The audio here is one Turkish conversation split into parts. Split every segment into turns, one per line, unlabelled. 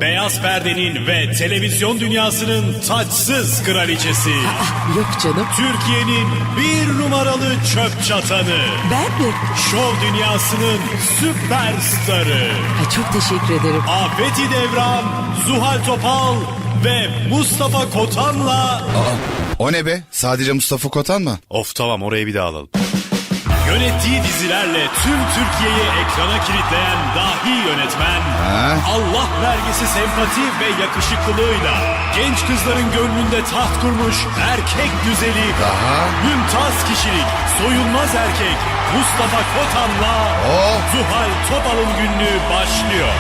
Beyaz perdenin ve televizyon dünyasının taçsız kraliçesi.
Yok canım.
Türkiye'nin bir numaralı çöp çatanı.
Ben mi?
Şov dünyasının süperstarı.
Ay çok teşekkür ederim.
Afeti Devran, Zuhal Topal ve Mustafa Kotan'la...
O ne be? Sadece Mustafa Kotan mı?
Of tamam, orayı bir daha alalım. Yönettiği dizilerle tüm Türkiye'yi ekrana kilitleyen dahi yönetmen, Allah vergisi sempati ve yakışıklılığıyla genç kızların gönlünde taht kurmuş erkek güzeli, mümtaz kişilik, soyulmaz erkek Mustafa Kotan'la Zuhal Topal'ın günlüğü başlıyor.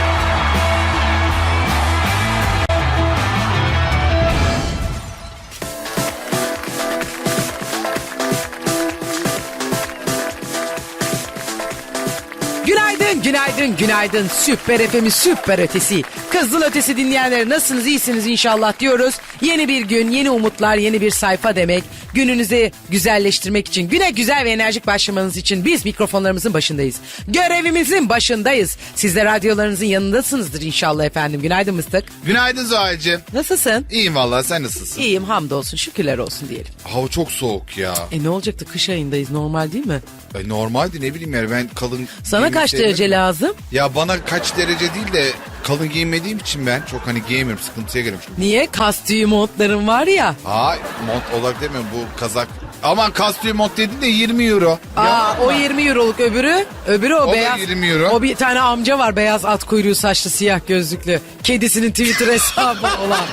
Günaydın. Süper FM'in süper ötesi. Kızıl ötesi dinleyenler nasılsınız, iyisiniz inşallah diyoruz. Yeni bir gün, yeni umutlar, yeni bir sayfa demek. Gününüzü güzelleştirmek için, güne güzel ve enerjik başlamanız için biz mikrofonlarımızın başındayız. Görevimizin başındayız. Siz de radyolarınızın yanındasınızdır inşallah efendim. Günaydın Mıstık.
Günaydın Zuhal'cığım.
Nasılsın?
İyiyim vallahi, sen nasılsın?
İyiyim, hamdolsun, şükürler olsun diyelim.
Hava çok soğuk ya.
Ne olacaktı, kış ayındayız, normal değil mi?
Normaldi, ne bileyim yani, ben kalın...
Sana kaç derece lazım?
Ya bana kaç derece değil de kalın giyinmediğim için ben çok giyemiyorum, sıkıntıya giriyorum.
Niye? Kastüyü montların var ya.
Mont olarak demiyorum, bu kazak. Aman kastüyü mont dedin de 20 euro.
O 20 euroluk, öbürü o beyaz.
Da 20 euro.
O bir tane amca var, beyaz at kuyruğu saçlı, siyah gözlüklü. Kedisinin Twitter hesabı olan.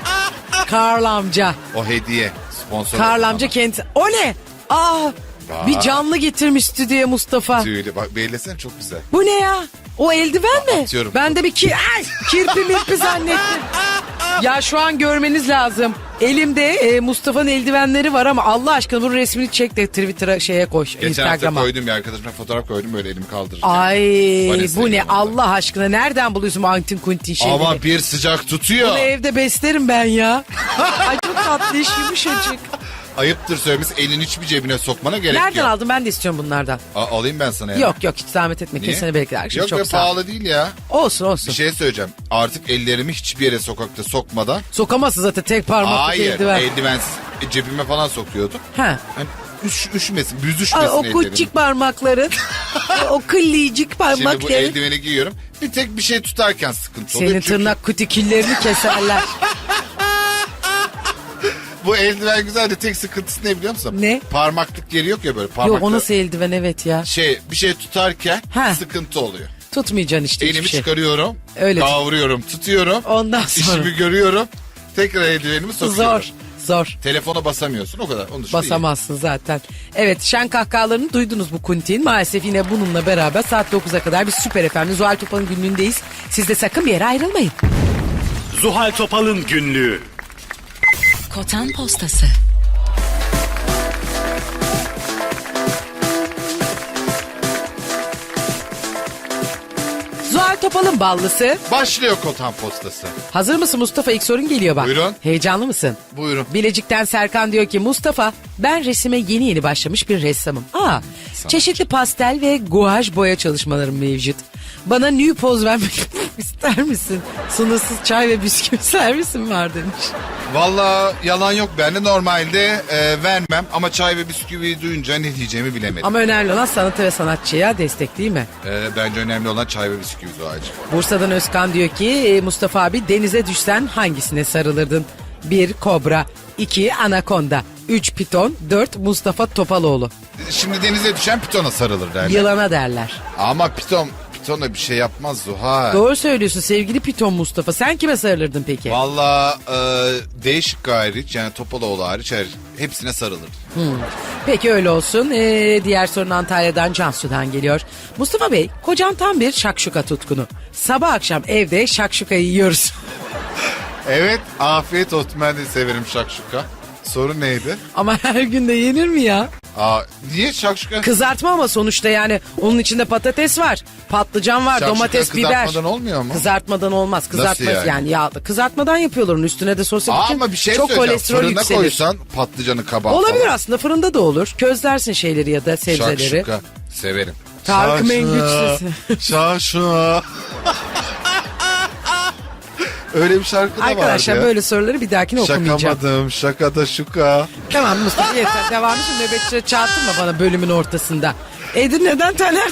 Karl amca.
O hediye, sponsor.
Karl amca kendisi. O ne? Bir canlı getirmiş stüdyoya Mustafa.
Tüylü bak, beğenlesene, çok güzel.
Bu ne ya? O eldiven mi?
Atıyorum.
Ben de bir kirpi mirpi zannettim. Ya şu an görmeniz lazım. Elimde Mustafa'nın eldivenleri var ama Allah aşkına bunun resmini çek de Twitter'a koy.
Geçen hafta
Instagram'a.
koydum ya, arkadaşıma fotoğraf koydum, böyle elimi kaldırırken.
Ay
Vanessa
bu ne
yanında.
Allah aşkına, nereden buluyorsun bu antin kuntin şeyleri?
Ama bir sıcak tutuyor.
Bunu evde beslerim ben ya. Ay çok tatlı iş, yumuşacık.
Ayıptır söylemesi, elini hiçbir cebine sokmana gerek
Nereden
yok.
aldın, ben de istiyorum bunlardan.
Alayım ben sana ya.
Yok hiç zahmet etme.
Niye?
Kesene bekler.
Yok
Çok
be,
sağ ol.
pahalı değil ya.
Olsun.
Bir şey söyleyeceğim. Artık ellerimi hiçbir yere sokakta sokmadan.
Sokamazsın zaten tek parmaklık
Hayır,
eldiven.
eldivensiz cebime falan sokuyordum.
Ha.
Hani üşümesin, büzüşmesin
O
ellerim.
küçük parmakların, o kıllıcık
Şimdi bu
parmakların.
eldiveni giyiyorum. Bir tek bir şey tutarken sıkıntı oluyor.
Senin
Çünkü
tırnak kutiküllerini keserler.
bu eldiven güzel de tek sıkıntısı ne biliyor musun?
Ne?
Parmaklık yeri yok ya, böyle parmaklık.
Yok, o nasıl eldiven, evet ya.
Bir şey tutarken
Ha.
sıkıntı oluyor.
Tutmayacaksın işte
Elimi
hiçbir şey.
çıkarıyorum,
Öyle.
kavruyorum, tutuyorum.
Ondan sonra.
İşimi görüyorum. Tekrar eldivenimi sokuyorum.
Zor.
Telefona basamıyorsun, o kadar. Onun dışında
Basamazsın zaten. Evet, şen kahkahalarını duydunuz bu kuntin. Maalesef yine bununla beraber saat 9'a kadar biz Süper efendim Zuhal Topal'ın günlüğündeyiz. Siz de sakın bir yere ayrılmayın.
Zuhal Topal'ın günlüğü.
Kotan Postası.
Zuhal Topal'ın ballısı.
Başlıyor Kotan Postası.
Hazır mısın Mustafa? İlk sorun geliyor bak.
Buyurun.
Heyecanlı mısın?
Buyurun.
Bilecik'ten Serkan diyor ki Mustafa, ben resime yeni başlamış bir ressamım. Çeşitli pastel ve guaj boya çalışmalarım mevcut. Bana new poz vermek ister misin? Sınırsız çay ve bisküvi servisim var demiş.
Vallahi yalan yok, ben de normalde vermem ama çay ve bisküviyi duyunca ne diyeceğimi bilemedim.
Ama önemli olan sanatı ve sanatçıya destek değil mi?
Bence önemli olan çay ve bisküvi Zuhal'cığım.
Bursa'dan Özkan diyor ki Mustafa abi, denize düşsen hangisine sarılırdın? 1 kobra, 2 anakonda, 3 piton, 4 Mustafa Topaloğlu.
Şimdi denize düşen pitona sarılır derler.
Yılana derler.
Ama pitona bir şey yapmaz Zuhal.
Doğru söylüyorsun sevgili piton Mustafa. Sen kime sarılırdın peki?
Vallahi değişik hariç, yani Topaloğlu hariç hepsine sarılır.
Peki öyle olsun. Diğer sorun Antalya'dan Cansu'dan geliyor. Mustafa Bey, kocan tam bir şakşuka tutkunu. Sabah akşam evde şakşukayı yiyoruz.
Evet, afiyet olsun, ben de severim şakşuka. Sorun neydi?
Ama her gün de yenir mi ya?
Niye şakşuka?
Kızartma ama sonuçta, yani onun içinde patates var, patlıcan var,
Şakşuka
domates, biber.
kızartmadan olmuyor mu?
Kızartmadan olmaz. Kızartma
Nasıl yani?
yağda. Kızartmadan yapıyorlar, onun üstüne de sos yapınca
Ama bir şey
çok
söyleyeceğim.
kolesterol
Fırına
yükselir.
koysan patlıcanı, kabağı
Olabilir
falan.
aslında, fırında da olur. Közlersin şeyleri ya da sebzeleri.
Şakşuka severim.
Tarık Mengüç sesi.
Şakşuka. Öyle bir şarkı da vardı
Arkadaşlar
ya.
böyle soruları bir dahakine okumayacağım.
Şakamadım, şakada şuka.
Tamam Mustafa yeter. Devamı şimdi nöbetçi çağırtırma bana bölümün ortasında. Edirne'den Taner.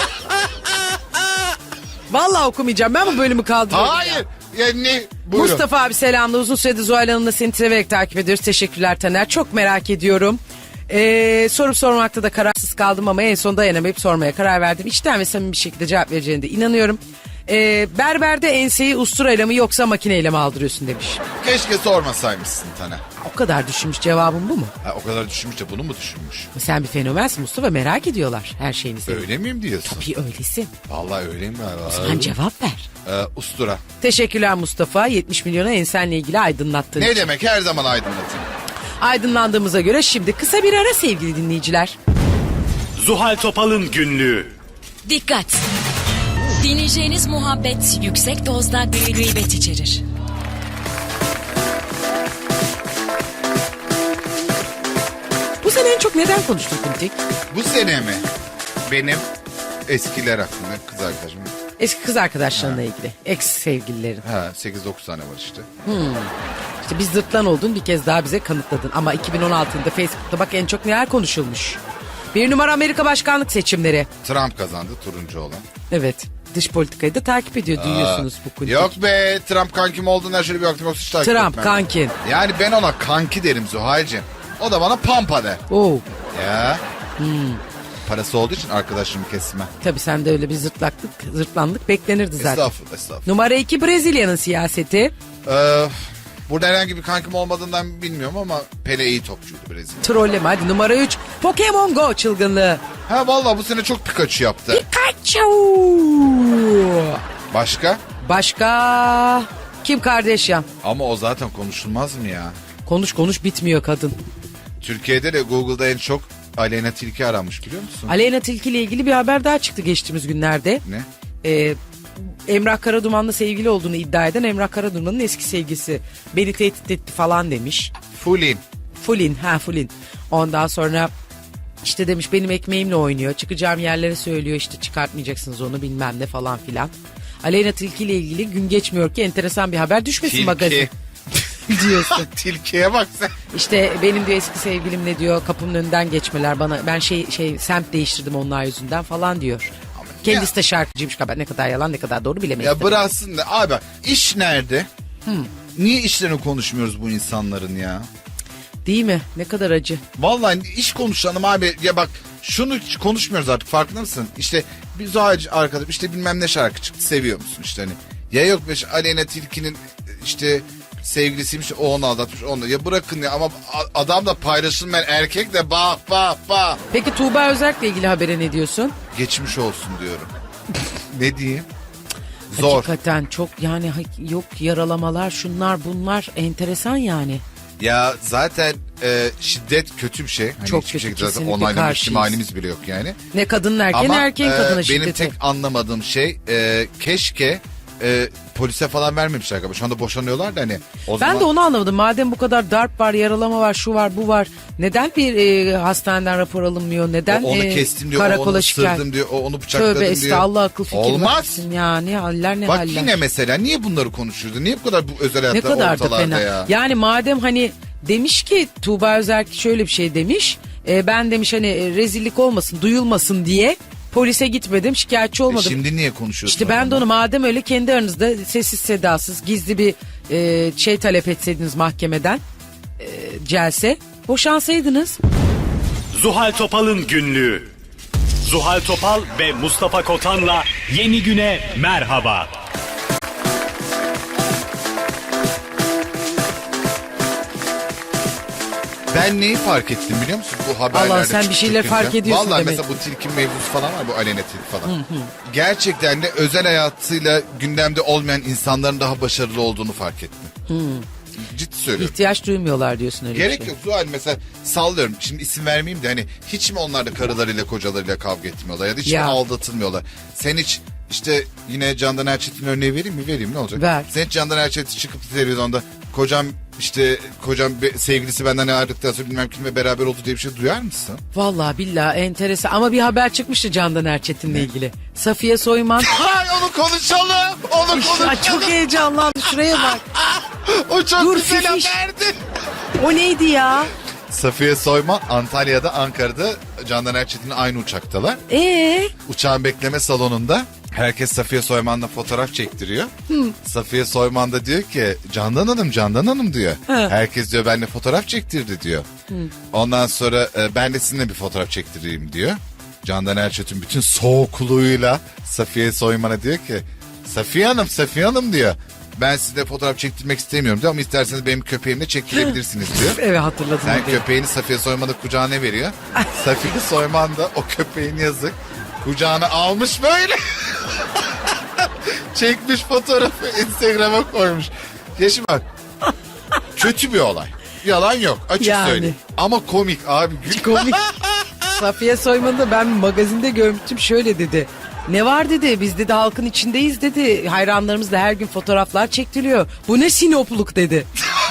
Vallahi okumayacağım. Ben bu bölümü kaldırıyorum.
Hayır. Yani buyurun.
Mustafa abi selamlı. Uzun süredir Zuhal Hanım'la seni severek takip ediyoruz. Teşekkürler Taner. Çok merak ediyorum. Sorup sormakta da kararsız kaldım ama en son dayanamayıp sormaya karar verdim. İçten ve samimi bir şekilde cevap vereceğine de inanıyorum. Berberde enseyi usturayla mı yoksa makineyle mi aldırıyorsun demiş.
Keşke sormasaymışsın Taner.
O kadar düşünmüş, cevabın bu mu?
Ha, o kadar düşünmüş de bunu mu düşünmüş?
Sen bir fenomensin Mustafa, merak ediyorlar her şeyini senin.
Öyle miyim diyorsun?
Bir öylesin.
Vallahi öyleyim galiba.
Sen cevap ver.
Ustura.
Teşekkürler Mustafa. 70 milyona ensenle ilgili aydınlattığın
Ne
için.
demek, her zaman aydınlatın.
Aydınlandığımıza göre şimdi kısa bir ara sevgili dinleyiciler.
Zuhal Topal'ın günlüğü.
Dikkat! Dinleyeceğiniz muhabbet yüksek dozda gıybet içerir.
Bu sene en çok neden konuştun Kuntik?
Bu sene mi? Benim eskiler hakkında kız arkadaşım.
Eski kız arkadaşlarınla ilgili. Ex sevgililerin.
Ha 8-9 tane var işte.
İşte biz zırtlan olduğunu bir kez daha bize kanıtladın. Ama 2016'da Facebook'ta bak en çok neler konuşulmuş. Bir numara Amerika başkanlık seçimleri.
Trump kazandı, turuncu olan.
Evet. Dış politikayı da takip ediyor duyuyorsunuz bu Kuntik.
Yok be, Trump kankim olduğundan şöyle bir baktım, yoksa hiç takip
Trump
etmem.
kankin.
Yani ben ona kanki derim Zuhal'cığım. O da bana pampa der.
Oo.
Ya. Parası olduğu için arkadaşımı kesme.
Tabii sen de öyle bir zırtlandık beklenirdi zaten.
Estağfurullah, estağfurullah.
Numara 2 Brezilya'nın siyaseti.
Burada herhangi bir kankim olmadığından bilmiyorum ama Pele iyi topçuydu Brezilya.
Trolleme hadi. Numara 3 Pokemon Go çılgınlığı.
Ha vallahi bu sene çok Pikachu yaptı.
Pikachu.
Başka?
Kim Kardashian?
Ama o zaten konuşulmaz mı ya?
Konuş bitmiyor kadın.
Türkiye'de de Google'da en çok Aleyna Tilki aranmış, biliyor musun?
Aleyna Tilki ile ilgili bir haber daha çıktı geçtiğimiz günlerde.
Ne?
Emrah Karaduman'la sevgili olduğunu iddia eden Emrah Karaduman'ın eski sevgilisi beni tehdit etti falan demiş.
Fulin.
Fulin. Ondan sonra işte demiş benim ekmeğimle oynuyor. Çıkacağım yerlere söylüyor işte çıkartmayacaksınız onu bilmem ne falan filan. Aleyna Tilki ile ilgili gün geçmiyor ki enteresan bir haber düşmesin magazin. Diyorsun.
Tilkiye bak sen.
İşte benim diyor eski sevgilimle diyor kapımın önünden geçmeler bana ben semt değiştirdim onlar yüzünden falan diyor. Kendisi de şarkıcıymış galiba, ne kadar yalan ne kadar doğru bilemeyiz.
Ya bıraksın da abi, iş nerede? Niye işlerini konuşmuyoruz bu insanların ya?
Değil mi? Ne kadar acı.
Vallahi iş konuşalım abi. Ya bak şunu hiç konuşmuyoruz artık, farkında mısın? İşte bir Zuhal'cı arkadaş işte bilmem ne şarkı çıktı, seviyor musun işte hani. Ya yok be Aleyna Tilki'nin işte sevgilisiymiş, o onu aldatmış onu. Ya bırakın ya, ama adam da paylaşılmayan erkek de bak.
Peki Tuğba Özerk'le ilgili habere ne diyorsun?
Geçmiş olsun diyorum. Ne diyeyim? Zor.
Hakikaten çok yani yok yaralamalar şunlar bunlar enteresan yani.
Ya zaten şiddet kötü bir şey. Hani
Çok
hiçbir
kötü,
şekilde zaten
kesinlikle
onaylamak
karşıyız.
ihtimalimiz bile yok yani.
Ne kadının erkeğin
Ama
erkeğin kadına
benim
şiddeti.
tek anlamadığım şey keşke polise falan vermemişler galiba. Şu anda boşanıyorlar da hani.
Ben de onu anlamadım. Madem bu kadar darp var, yaralama var, şu var, bu var. Neden bir hastaneden rapor alınmıyor? Neden
onu kestim diyor,
karakola
onu
şikayet?
ısırdım diyor, onu bıçakladım
Tövbe
diyor.
estağfurullah, akıl fikir
Olmaz.
versin ya. Ne haller ne
Bak
haller.
yine mesela niye bunları konuşuyordu? Niye bu kadar bu özel
Ne
hayatlar
kadar da
ortalarda
fena.
ya?
Yani madem hani demiş ki Tuğba Özerk şöyle bir şey demiş. Ben demiş hani rezillik olmasın, duyulmasın diye polise gitmedim, şikayetçi olmadım.
Şimdi niye konuşuyorsun?
İşte ben de onu madem öyle kendi aranızda sessiz sedasız gizli bir şey talep etseydiniz mahkemeden celse boşansaydınız.
Zuhal Topal'ın günlüğü. Zuhal Topal ve Mustafa Kotan'la yeni güne merhaba.
Ben neyi fark ettim biliyor musun bu haberlerde?
Allah, sen bir şeyler
çıkınca?
fark ediyorsun
Vallahi
demek.
mesela bu tilki mevzusu falan var, bu Aleyna Tilki falan. Gerçekten de özel hayatıyla gündemde olmayan insanların daha başarılı olduğunu fark ettim. Ciddi söylüyorum.
İhtiyaç duymuyorlar diyorsun öyle
Gerek
bir şey.
yok Zuhal, mesela sallıyorum, şimdi isim vermeyeyim de hani hiç mi onlar da karılarıyla kocalarıyla kavga etmiyorlar ya da hiç
Ya.
mi aldatılmıyorlar? Sen hiç işte yine Candan Erçetin örneği vereyim mi? Vereyim, ne olacak?
Ver.
Sen hiç Candan Erçetin çıkıp televizyonda kocam sevgilisi benden ayrıldıktan sonra bilmem kimle beraber oldu diye bir şey duyar mısın?
Vallahi billahi enteresan ama bir haber çıkmıştı Candan Erçetin'le ilgili. Safiye Soyman.
Hay onu konuşalım. Onu
Ya
konuşalım.
çok heyecanlandım şuraya bak.
O çok
Dur,
güzel
fifiş.
haberdi.
O neydi ya?
Safiye Soyman Antalya'da, Ankara'da Candan Erçetin'le aynı uçaktalar. Uçağın bekleme salonunda herkes Safiye Soyman'la fotoğraf çektiriyor. Safiye Soyman da diyor ki Candan Hanım diyor. Herkes diyor benimle fotoğraf çektirdi diyor. Ondan sonra ben de sizinle bir fotoğraf çektireyim diyor. Candan Erçetin bütün soğukluğuyla Safiye Soyman'a diyor ki Safiye Hanım diyor. Ben size fotoğraf çektirmek istemiyorum diyor ama isterseniz benim köpeğimle çektirebilirsiniz diyor.
Evet, hatırladım.
Sen
hadi.
köpeğini Safiye Soyman'a kucağına veriyor. Safiye Soyman da o köpeğin yazık kucağına almış böyle. Çekmiş fotoğrafı Instagram'a koymuş. Yeşim bak. Kötü bir olay. Yalan yok, açık
Yani.
söyleyeyim. Ama komik abi.
Komik. Safiye Soyman'ı da ben magazinde görmüştüm, şöyle dedi. Ne var dedi, biz dedi halkın içindeyiz dedi. Hayranlarımızla her gün fotoğraflar çektiriyor. Bu ne sinopluk dedi.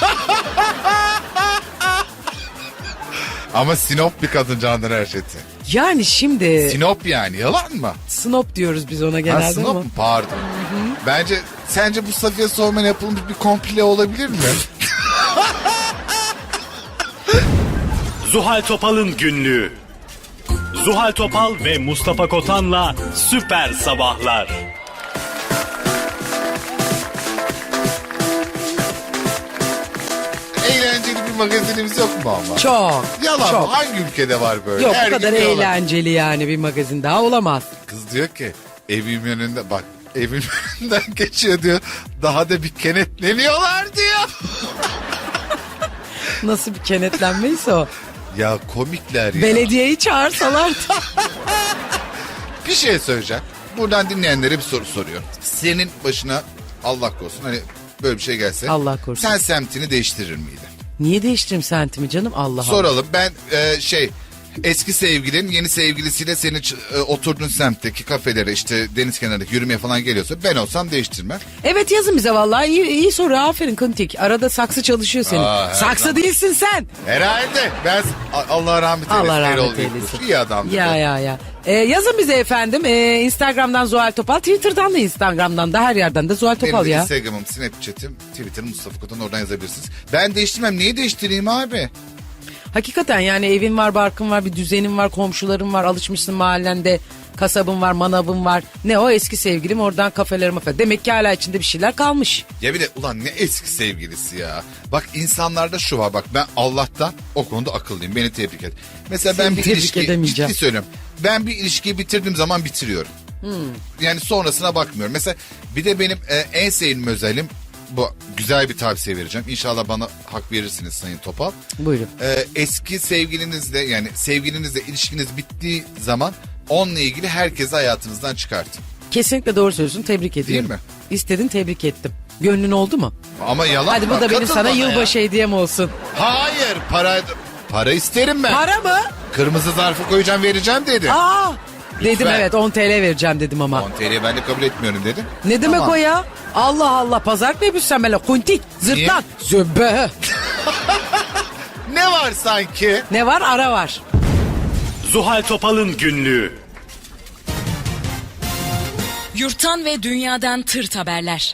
Ama Sinop bir kadın Candan Erçetin.
Yani şimdi
Sinop yani, yalan mı?
snop diyoruz biz ona
Ha,
genelde
Sinop
ama.
mu? Pardon. Sence bu Safiye Soyman'a yapılmış bir komple olabilir mi?
Zuhal Topal'ın günlüğü. Zuhal Topal ve Mustafa Kotan'la Süper Sabahlar.
Eğlenceli bir magazinimiz yok mu ama?
Çok.
Yalan
çok.
mı? Hangi ülkede var böyle?
Yok,
Her
bu kadar
gün yalan.
eğlenceli yani bir magazin daha olamaz.
Kız diyor ki evimin önünde bak evin önünden geçiyor diyor. Daha da bir kenetleniyorlar diyor.
Nasıl bir kenetlenmeyse o.
Ya komikler ya.
Belediyeyi çağırsalar.
Bir şey söyleyeceğim. Buradan dinleyenlere bir soru soruyorum. Senin başına Allah korusun hani böyle bir şey gelse.
Allah korusun.
Sen semtini değiştirir miydin?
Niye değiştireyim sentimi canım, Allah Allah.
Soralım. Ben eski sevgilin yeni sevgilisiyle senin oturduğun semtteki kafelere işte deniz kenarındaki yürümeye falan geliyorsa ben olsam değiştirmem.
Evet, yazın bize vallahi, iyi soru, aferin Kuntik. Arada saksı çalışıyor senin.
Aa, her
Saksı
zaman.
değilsin sen.
Herhalde. Ben Allah rahmet eylesin.
Allah rahmet
Erol
eylesin.
Büyükkuş. İyi adamdı.
Ya. Yazın bize efendim. Instagram'dan Zuhal Topal, Twitter'dan da Instagram'dan da her yerden de Zuhal
Benim
Topal
de
ya.
Instagram'ım, Snapchat'im, Twitter'ım Mustafa Kotan, oradan yazabilirsiniz. Ben değiştirmem. Neyi değiştireyim abi?
Hakikaten yani evin var, barkın var, bir düzenin var, komşuların var, alışmışsın mahallende, kasabın var, manavın var. Ne o eski sevgilim, oradan kafeler mafe. Demek ki hala içinde bir şeyler kalmış.
Ya bir de ulan ne eski sevgilisi ya. Bak insanlarda şu var, bak ben Allah'tan o konuda akıllıyım, beni tebrik et. Mesela
Seni
ben bir
tebrik
ilişki,
edemeyeceğim.
ciddi söylüyorum. Ben bir ilişkiyi bitirdiğim zaman bitiriyorum. Yani sonrasına bakmıyorum. Mesela bir de benim en sevdiğim özelim, bu güzel bir tavsiye vereceğim. İnşallah bana hak verirsiniz Sayın Topal.
Buyurun.
Eski sevgilinizle yani sevgilinizle ilişkiniz bittiği zaman onunla ilgili herkesi hayatınızdan çıkartın.
Kesinlikle doğru söylüyorsun, tebrik ediyorum.
mi?
İstedin, tebrik ettim. Gönlün oldu mu?
Ama yalan
Hadi bu
bak,
da benim
katıl
sana
bana ya.
yılbaşı hediyem olsun.
Hayır para isterim ben.
Para mı?
Kırmızı zarfı koyacağım vereceğim dedim.
Aa! Dedim
Lütfen.
evet, 10 TL vereceğim dedim ama.
10 TL'yi ben de kabul etmiyorum dedim.
Ne demek
Tamam.
o ya? Allah Allah, pazar mı yapıyorsun sen böyle? Kuntik, zırtlak, zöbe.
Ne var sanki?
Ne var? Ara var.
Zuhal Topal'ın günlüğü.
Yurttan ve dünyadan tırt haberler.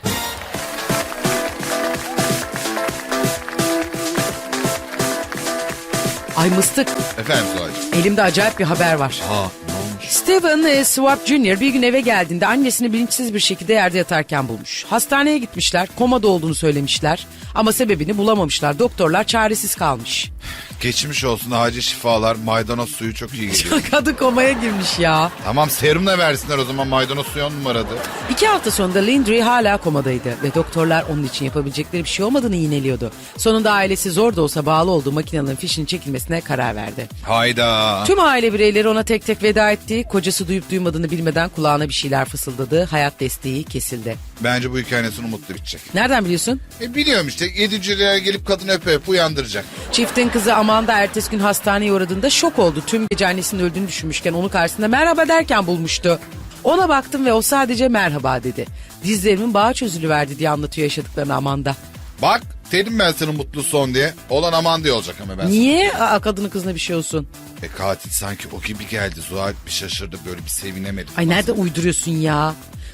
Ay mıstık,
Efendim Zuhal'cığım.
elimde acayip bir haber var.
Ne olmuş?
Steven Swap Jr. bir gün eve geldiğinde annesini bilinçsiz bir şekilde yerde yatarken bulmuş. Hastaneye gitmişler, komada olduğunu söylemişler ama sebebini bulamamışlar. Doktorlar çaresiz kalmış.
Geçmiş olsun, acil şifalar, maydanoz suyu çok iyi geliyor.
Kadın komaya girmiş ya.
Tamam serumla versinler o zaman, maydanoz suyu 10 numaradı.
2 hafta sonunda Lindry hala komadaydı ve doktorlar onun için yapabilecekleri bir şey olmadığını iğneliyordu. Sonunda ailesi zor da olsa bağlı olduğu makinenin fişinin çekilmesine karar verdi.
Hayda.
Tüm aile bireyleri ona tek tek veda etti. Kocası duyup duymadığını bilmeden kulağına bir şeyler fısıldadı. Hayat desteği kesildi.
Bence bu hikayenin sonu mutlu bitecek.
Nereden biliyorsun?
Biliyorum işte, yediciler gelip kadını öpe uyandıracak.
Çiftin kızı Amanda ertesi gün hastaneye uğradığında şok oldu. Tüm gece annesinin öldüğünü düşünmüşken onu karşısında merhaba derken bulmuştu. Ona baktım ve o sadece merhaba dedi. Dizlerimin bağı çözülüverdi diye anlatıyor yaşadıklarını Amanda.
Bak dedim ben sana mutlu son diye. Olan aman diye olacak ama ben.
Niye? Kadının kızına bir şey olsun.
Katil sanki o gibi geldi. Zuhal bir şaşırdı, böyle bir sevinemedi.
Ay nerede uyduruyorsun ya?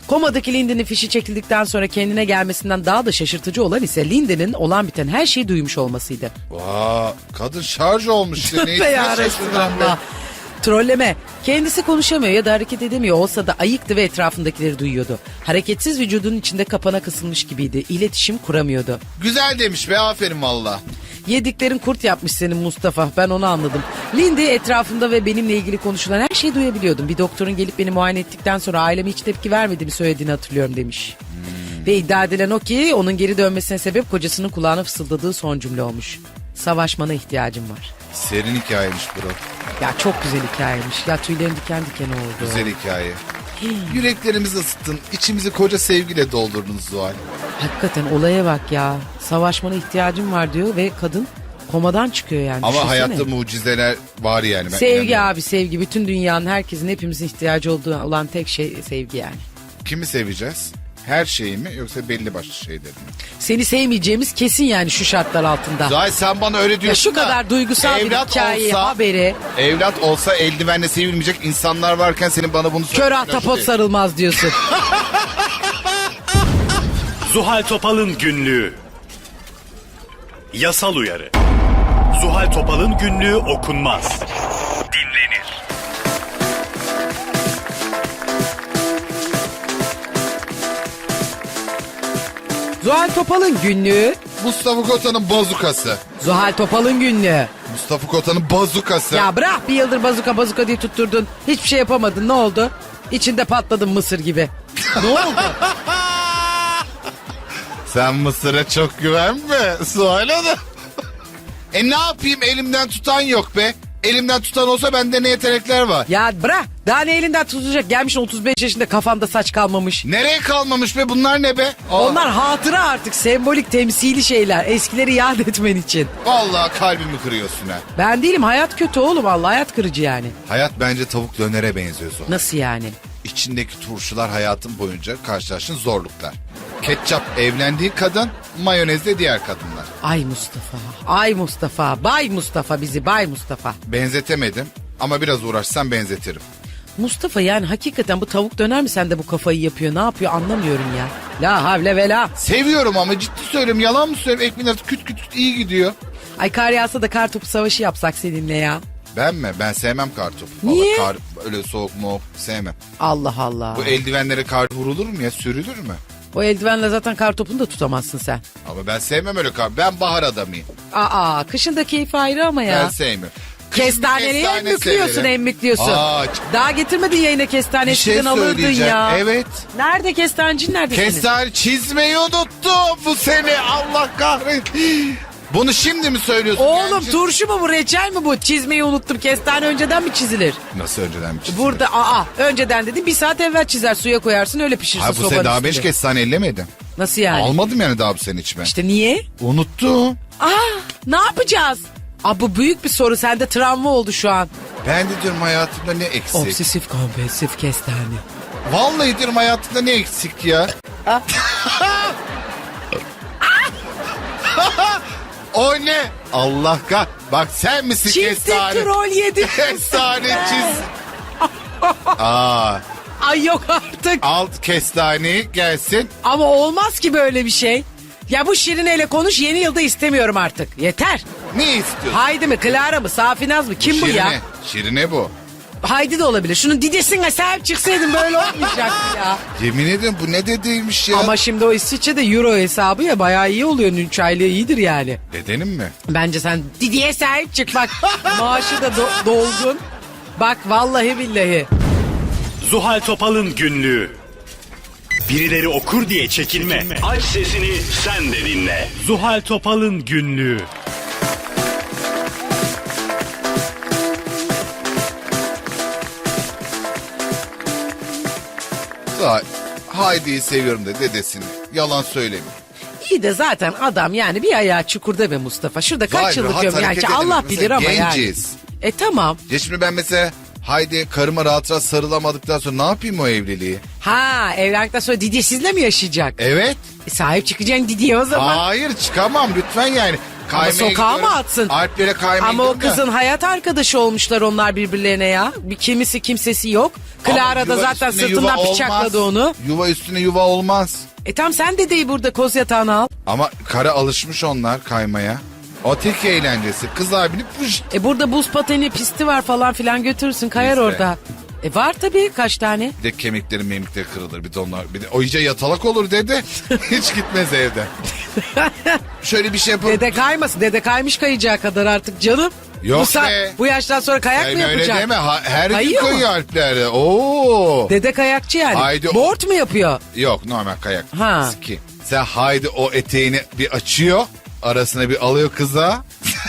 Komadaki Lindy'nin fişi çekildikten sonra kendine gelmesinden daha da şaşırtıcı olan ise Lindy'nin olan biten her şeyi duymuş olmasıydı.
Vaa, kadın şarj olmuş işte.
Be ya Resulallah. Trolleme. Kendisi konuşamıyor ya da hareket edemiyor olsa da ayıktı ve etrafındakileri duyuyordu. Hareketsiz vücudunun içinde kapana kısılmış gibiydi. İletişim kuramıyordu.
Güzel demiş be, aferin valla.
Yediklerin kurt yapmış senin Mustafa. Ben onu anladım. Lindy etrafında ve benimle ilgili konuşulan her şeyi duyabiliyordum. Bir doktorun gelip beni muayene ettikten sonra aileme hiç tepki vermediğimi söylediğini hatırlıyorum demiş. Ve iddia edilen o ki onun geri dönmesine sebep kocasının kulağına fısıldadığı son cümle olmuş. Savaşmana ihtiyacım var.
Serin hikayemiş bro.
Ya çok güzel hikayeymiş. Ya tüylerim diken diken oldu.
Güzel hikaye. Yüreklerimizi ısıttın. İçimizi koca sevgiyle doldurdunuz Zuhal.
Hakikaten olaya bak ya. Savaşmana ihtiyacım var diyor ve kadın komadan çıkıyor yani.
Ama
Düşünsene.
hayatta mucizeler var yani. Ben
Sevgi
inanıyorum.
abi, sevgi. Bütün dünyanın, herkesin, hepimizin ihtiyacı olduğu olan tek şey sevgi yani.
Kimi seveceğiz? Her şeyi mi yoksa belli başlı şeyleri mi?
Seni sevmeyeceğimiz kesin yani şu şartlar altında.
Zuhal sen bana öyle
Ya
diyorsun
şu
da,
kadar duygusal bir
evlat
hikayeyi,
olsa-
haberi.
Evlat olsa eldivenle sevilmeyecek insanlar varken senin bana bunu
Kör
söylemen
ahtapot
değil.
sarılmaz diyorsun.
Zuhal Topal'ın günlüğü. Yasal uyarı. Zuhal Topal'ın günlüğü okunmaz. Dinlenir.
Zuhal Topal'ın günlüğü.
Mustafa Kota'nın bazukası.
Zuhal Topal'ın günlüğü.
Mustafa Kota'nın bazukası.
Ya bırak, bir yıldır bazuka diye tutturdun. Hiçbir şey yapamadın, ne oldu? İçinde patladın mısır gibi. Ne oldu?
Sen Mısır'a çok güvenme Zuhal Hanım. Ne yapayım, elimden tutan yok be. Elimden tutan olsa bende ne yetenekler var.
Ya bırak, daha ne elinden tutacak? Gelmişsin 35 yaşında, kafanda saç kalmamış.
Nereye kalmamış be, bunlar ne be?
Onlar hatıra artık, sembolik, temsili şeyler. Eskileri yad etmen için.
Vallahi kalbimi kırıyorsun ha.
Ben değilim, hayat kötü oğlum, Allah, hayat kırıcı yani.
Hayat bence tavuk dönere benziyor Zuhal.
Nasıl yani?
İçindeki turşular hayatın boyunca karşılaştığın zorluklar. Ketçap evlendiği kadın, mayonez de diğer kadınlar.
Ay Mustafa, ay Mustafa, bay Mustafa bizi, bay Mustafa.
Benzetemedim ama biraz uğraşsam benzetirim.
Mustafa yani hakikaten bu tavuk döner mi sende bu kafayı yapıyor, ne yapıyor anlamıyorum ya. La havle ve la.
Seviyorum ama ciddi söylüyorum, yalan mı söylüyorum? Ekmeğin arası küt küt küt iyi gidiyor.
Ay kar yağsa da kar topu savaşı yapsak seninle ya.
Ben mi? Ben sevmem kartopu.
Niye?
Kar, öyle soğuk mu sevmem.
Allah Allah.
Bu eldivenlere kar vurulur mu ya, sürülür mü?
O eldivenle zaten kar topunu da tutamazsın sen.
Ama ben sevmem öyle kar. Ben bahar adamıyım.
Aa, kışın da keyfi ayrı ama ya.
Ben sevmiyorum. Kışın
Kestaneyi
kestane
emmikliyorsun,
severim.
emmikliyorsun.
Aa,
Daha getirmedin yayına kestane,
bir şey
eskiden alırdın
söyleyeceğim.
ya.
Evet.
Nerede kestancın, nerede senin?
Kestane çizmeyi unuttum bu sene, Allah kahretsin. Bunu şimdi mi söylüyorsun?
Oğlum
Gerçi-
turşu mu bu, reçel mi bu? Çizmeyi unuttum, kestane önceden mi çizilir?
Nasıl önceden mi çizdin?
Burada önceden dedim, bir saat evvel çizer, suya koyarsın, öyle pişirsin
Hayır, bu
sobanın
sene daha
üstünde.
5 kestane ellemedim.
Nasıl yani?
Almadım yani daha bu sene içme.
İşte niye?
Unuttum.
Ne yapacağız? Bu büyük bir soru, sende travma oldu şu an.
Ben de diyorum hayatımda ne eksik.
Obsesif kompulsif kestane.
Vallahi diyorum hayatımda ne eksik ya. O ne? Allah kah. Bak sen misin
Çifte
kestane?
troll yedi.
Kestane çiz.
Ay yok artık.
Alt kestaneyi gelsin.
Ama olmaz ki böyle bir şey. Ya bu Şirine'yle konuş, yeni yılda istemiyorum artık. Yeter.
Ne istiyorsun?
Haydi mi, Clara mı, Safinaz mı? Kim bu
Şirine.
ya?
Şirine bu.
Haydi de olabilir. Şunun didesine sahip çıksaydın böyle olmayacaktı ya.
Yemin ederim bu ne dediymiş ya.
Ama şimdi o İsviçre'de euro hesabı ya, bayağı iyi oluyor. 3 aylığı iyidir yani.
Dedenim mi?
Bence sen Didi'ye sahip çık bak. Maaşı da dolgun. Bak vallahi billahi.
Zuhal Topal'ın günlüğü. Birileri okur diye çekinme. Aç sesini, sen de dinle. Zuhal Topal'ın günlüğü.
Haydi'yi seviyorum da dedesini. Yalan söylemiyor.
İyi de zaten adam yani bir ayağı çukurda be Mustafa. Şurada kaç
Vay,
yıllık
rahat
ömür. Yani
hareket edelim.
Allah
Mesela
bilir ama
genciz.
yani. Tamam.
Ya şimdi ben mesela Haydi karıma rahat rahat sarılamadıktan sonra ne yapayım o evliliği?
Ha, evlendikten sonra Didiye sizinle mi yaşayacak?
Evet.
Sahip çıkacaksın Didiye o zaman.
Hayır çıkamam lütfen yani.
Ama
Kaymaya
sokağa mı
gidiyorum.
atsın?
Alplere kaymaya
Ama o
gidiyorum da.
kızın hayat arkadaşı olmuşlar onlar birbirlerine ya. Bir kimisi kimsesi yok. Clara
Ama
da
yuva
zaten
üstüne
sırtından
yuva
bıçakladı
olmaz.
onu.
Yuva üstüne yuva olmaz.
Tam sen dedeyi burada koz yatağına al.
Ama kara alışmış onlar kaymaya. O tek eğlencesi. Kız abini puş.
Burada buz pateni pisti var falan filan, götürürsün, kayar
Bizde.
orada. Var tabii, kaç tane.
Bir de kemikleri memikleri kırılır. Bir de onlar. Bir de o iyice yatalak olur dedi. Hiç gitmez evden. Şöyle bir şey yapalım.
Dede kaymasın. Dede kaymış kayacağı kadar artık canım.
Yok
bu,
be.
bu yaştan sonra kayak
Sen
mı
öyle
yapacak?
deme. Her gün
Kayıyor mu?
kayıyor Alplerde. Oo.
Dede kayakçı yani.
Haydi o-
Board mu yapıyor?
Yok, normal kayak.
Ha.
Ski. Sen haydi o eteğini bir açıyor. Arasına bir alıyor kıza.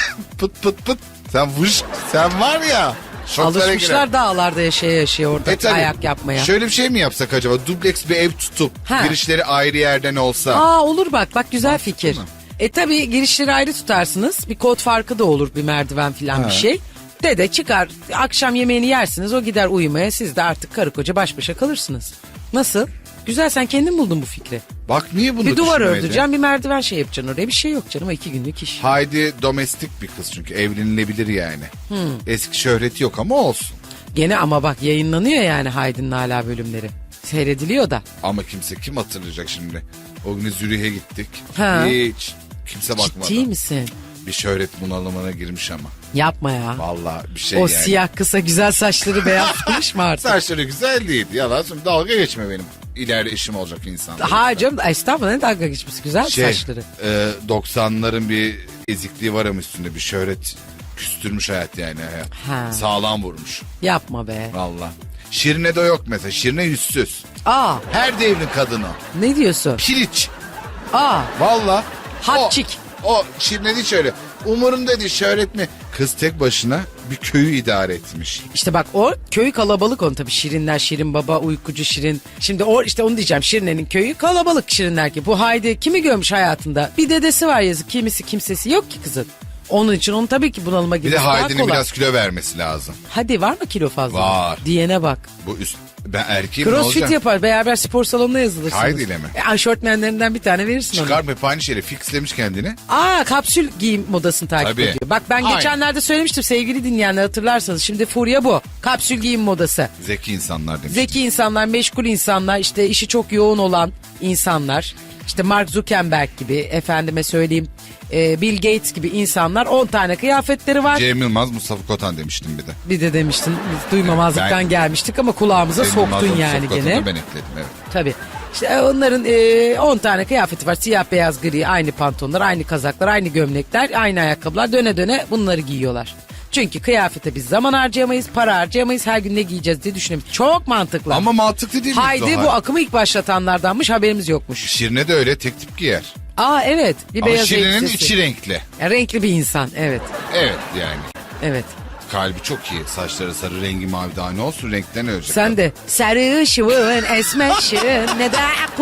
Pıt pıt pıt. Sen vuş. Sen var ya. şoklara girer.
Alışmışlar dağlarda yaşaya orada
Tabii.
kayak yapmaya.
Şöyle bir şey mi yapsak acaba? Dubleks bir ev tutup
Ha.
girişleri ayrı yerden olsa.
Olur bak güzel fikir.
mı?
Tabii girişleri ayrı tutarsınız. Bir kod farkı da olur, bir merdiven falan bir şey. Dede çıkar, akşam yemeğini yersiniz, o gider uyumaya, siz de artık karı koca baş başa kalırsınız. Nasıl? Güzel, sen kendin buldun bu fikri.
Bak niye bunu
Bir duvar
düşünmedi?
ördüreceksin, bir merdiven şey yapacaksın oraya, bir şey yok canım, 2 günlük iş.
Haydi domestik bir kız çünkü evlenilebilir yani. Eski şöhreti yok ama olsun.
Gene ama bak yayınlanıyor yani Haydi'nin hala bölümleri. Seyrediliyor da.
Ama kim hatırlayacak şimdi? O gün Zürih'e gittik.
Ha.
Hiç kimse bakmadı.
Ciddi misin?
Bir şöhret bunalımına girmiş ama.
Yapma ya.
Vallahi bir şey
O
yani.
siyah kısa güzel saçları beyazlamış mı artık?
Saçları güzel değil. Yalan söyleyeyim, dalga geçme benim. İleride eşim olacak insan.
Ha canım, estağfurullah, ne dalga geçmesi, güzel saçları.
90'ların bir ezikliği var ama üstünde bir şöhret küstürmüş hayat yani.
Ha.
Sağlam vurmuş.
Yapma be.
Vallahi. Şirine de yok mesela. Şirine yüzsüz. Her devrin kadını.
Ne diyorsun?
Piliç.
Aa,
Vallahi.
Hatçik.
O Şirine değil şöyle. Umurumda değil şöhret mi? Kız tek başına bir köyü idare etmiş.
işte bak o köy kalabalık, onun tabii Şirinler, Şirin Baba, Uykucu Şirin. Şimdi işte onu diyeceğim, Şirine'nin köyü kalabalık Şirinler ki. Bu Haydi kimi görmüş hayatında? Bir dedesi var yazık, kimisi kimsesi yok ki kızın. Onun için onun tabii ki bunalıma
Bir de
girmesi daha
Haydi'nin
kolay.
biraz kilo vermesi lazım.
Hadi var mı kilo fazla?
Var.
Diyene bak.
Bu üst ben erkeğim ne
Crossfit
olacak?
yapar, beraber spor salonuna yazılırsınız.
Haydi'yle mi?
Aşortmenlerinden bir tane verirsin ona.
Çıkarma hep aynı şeyle fixlemiş kendini.
Kapsül giyim modasını takip
Tabii.
ediyor. Bak ben
Aynen.
geçenlerde söylemiştim sevgili dinleyenler, hatırlarsanız. Şimdi furya bu. Kapsül giyim modası.
Zeki insanlar demiş.
Zeki insanlar, meşgul insanlar, işte işi çok yoğun olan insanlar. İşte Mark Zuckerberg gibi, efendime söyleyeyim Bill Gates gibi insanlar, 10 tane kıyafetleri var.
Cem Yılmaz, Mustafa Kotan demiştim bir de.
Bir de demiştin, biz duymamazlıktan
Ben-
gelmiştik ama kulağımıza
Cem
soktun
Yılmaz'la
yani
Mustafa
gene.
Kotan'ı ben ekledim evet.
Tabii. İşte onların 10 tane kıyafeti var. Siyah, beyaz, gri, aynı pantolonlar, aynı kazaklar, aynı gömlekler, aynı ayakkabılar. Döne döne bunları giyiyorlar. Çünkü kıyafete biz zaman harcayamayız, para harcayamayız. Her gün ne giyeceğiz diye düşünemeyiz. Çok mantıklı.
Ama mantıklı değil mi?
Haydi
Zuhal?
bu akımı ilk başlatanlardanmış, haberimiz yokmuş.
Şirine de öyle tek tip giyer.
Evet, bir
Ama
beyaz
Şirine'nin
elbisesi.
içi renkli.
Renkli bir insan, evet.
Evet yani.
Evet.
Kalbi çok iyi. Saçları sarı, rengi mavi, daha ne olsun, renkten ölecek.
Sen de sarışın, esmerşin, ne de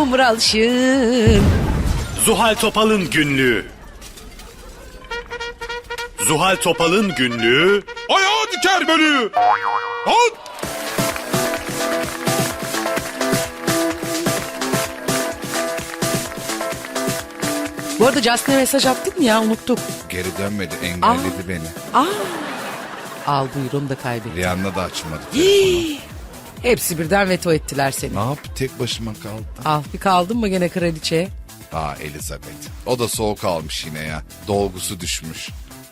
kumralşın.
Zuhal Topal'ın günlüğü. Zuhal Topal'ın günlüğü. Ayağı diker beni. Al.
Bu arada Justin'e mesaj attık mı ya, unuttuk.
Geri dönmedi, engelledi beni.
Al buyurun da kaybettim.
Rihanna da açmadı.
Hepsi birden veto ettiler seni.
Ne yap? Tek başıma kaldım.
Al bir kaldın mı gene kraliçeye?
Elizabeth. O da soğuk almış yine ya. Dolgusu düşmüş.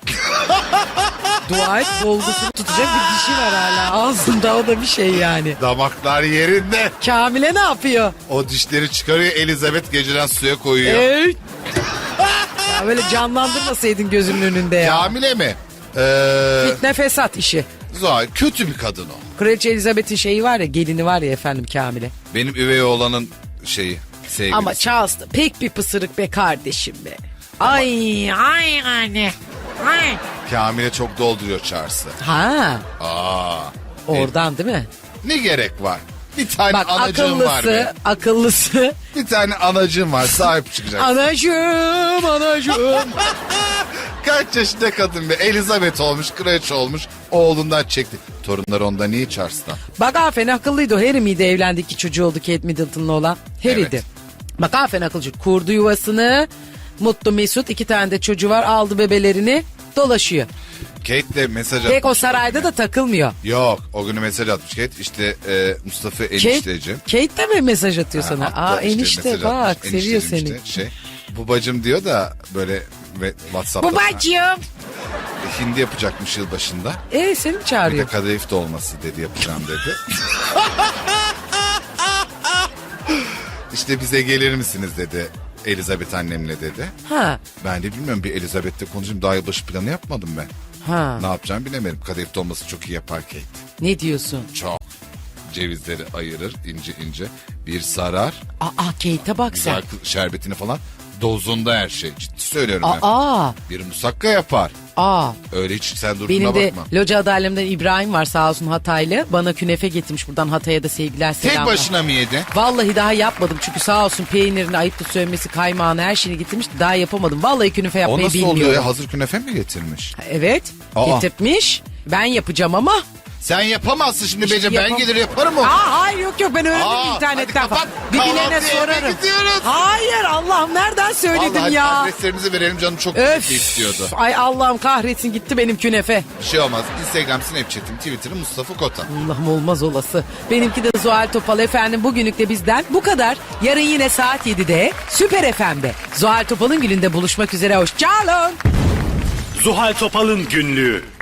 Dua et, dolgusunu tutacak bir dişi var hala ağzında, o da bir şey yani.
Damaklar yerinde.
Kamile ne yapıyor?
O dişleri çıkarıyor, Elizabeth geceden suya koyuyor.
Ya böyle canlandırmasaydın gözümün önünde ya.
Kamile mi?
Fitne fesat işi.
Zuhal kötü bir kadın o.
Kraliçe Elizabeth'in şeyi var ya, gelini var ya efendim, Kamile.
Benim üvey oğlanın sevgilisi.
Ama Charles da pek bir pısırık be kardeşim be. Ay anne. Ay.
Kamile çok dolduruyor Charles'ı.
Ha,
Aa.
oradan değil mi?
Ne gerek var? Bir tane
Bak
anacığım var be.
akıllısı.
Bir tane anacığım var, sahip çıkacak.
Anacığım.
Kaç yaşında kadın be? Elizabeth olmuş, kraliçe olmuş. Oğlundan çekti. Torunları ondan iyi Charles'tan.
Bak aferin akıllıydı o. Harry miydi evlendi, 2 çocuğu oldu Kate Middleton'la olan? Harry'di.
Evet.
Bak aferin akılcı. Kurdu yuvasını, mutlu mesut, 2 tane de çocuğu var, aldı bebelerini, dolaşıyor.
Kate de mesaj atmış.
Pek o sarayda da takılmıyor.
Yok, o günü mesaj atmış Kate. İşte Mustafa enişteciğim.
Kate de mi mesaj atıyor sana?
Hatta işte
Enişte
mesaj
bak
atmış.
seviyor
Enişteciğim
seni.
işte babacım diyor da böyle WhatsApp'ta.
Babacığım.
Hindi yapacakmış yılbaşında.
Seni mi
Bir de
çağırıyor?
kadayıf dolması dedi, yapacağım dedi. İşte bize gelir misiniz dedi Elizabeth annemle dedi.
Ha.
Ben de bilmiyorum, bir Elizabeth'le konuşayım, daha yılbaşı planı yapmadım ben.
Ha.
Ne yapacağımı bilemedim. Kadayıf dolması çok iyi yapar Kate.
Ne diyorsun?
Çok. Cevizleri ayırır ince ince. Bir sarar.
Kate'e bak sen.
Güzel şerbetini falan. Dozunda her şey. Ciddi söylüyorum ben.
Aa.
Bir musakka yapar.
Aa.
Öyle hiç sen durduğuna
Benim de
bakma.
loca adalemden İbrahim var sağ olsun Hataylı. Bana künefe getirmiş, buradan Hatay'a da sevgiler
Tek
selamlar.
başına mı yedi?
Vallahi daha yapmadım çünkü sağ olsun peynirini, ayıptı söylemesi, kaymağını, her şeyini getirmiş. Daha yapamadım. Vallahi künefe
O
yapmayı
nasıl
bilmiyorum.
oluyor ya? Hazır künefe mi getirmiş?
Evet.
Aa.
Getirtmiş. Ben yapacağım ama.
Sen yapamazsın şimdi Bece. Ben
yapam-
gelir yaparım o.
Hayır yok ben öğrendim
Aa,
internetten
hadi
falan.
kapat.
Birbirlerine
Kahvaltıya eve
sorarım.
gidiyoruz.
Hayır Allah'ım nereden söyledim
Vallahi
ya.
adreslerinizi verelim, canım çok
Öf.
istiyordu.
Ay Allah'ım kahretsin gitti benim künefe.
Bir şey olmaz. Instagram, Snapchat'im, Twitter'ım Mustafa Kota.
Allah'ım olmaz olası. Benimki de Zuhal Topal efendim, bugünlük de bizden bu kadar. Yarın yine saat 7'de Süper FM'de Zuhal Topal'ın gününde buluşmak üzere. Hoşçakalın.
Zuhal Topal'ın günlüğü.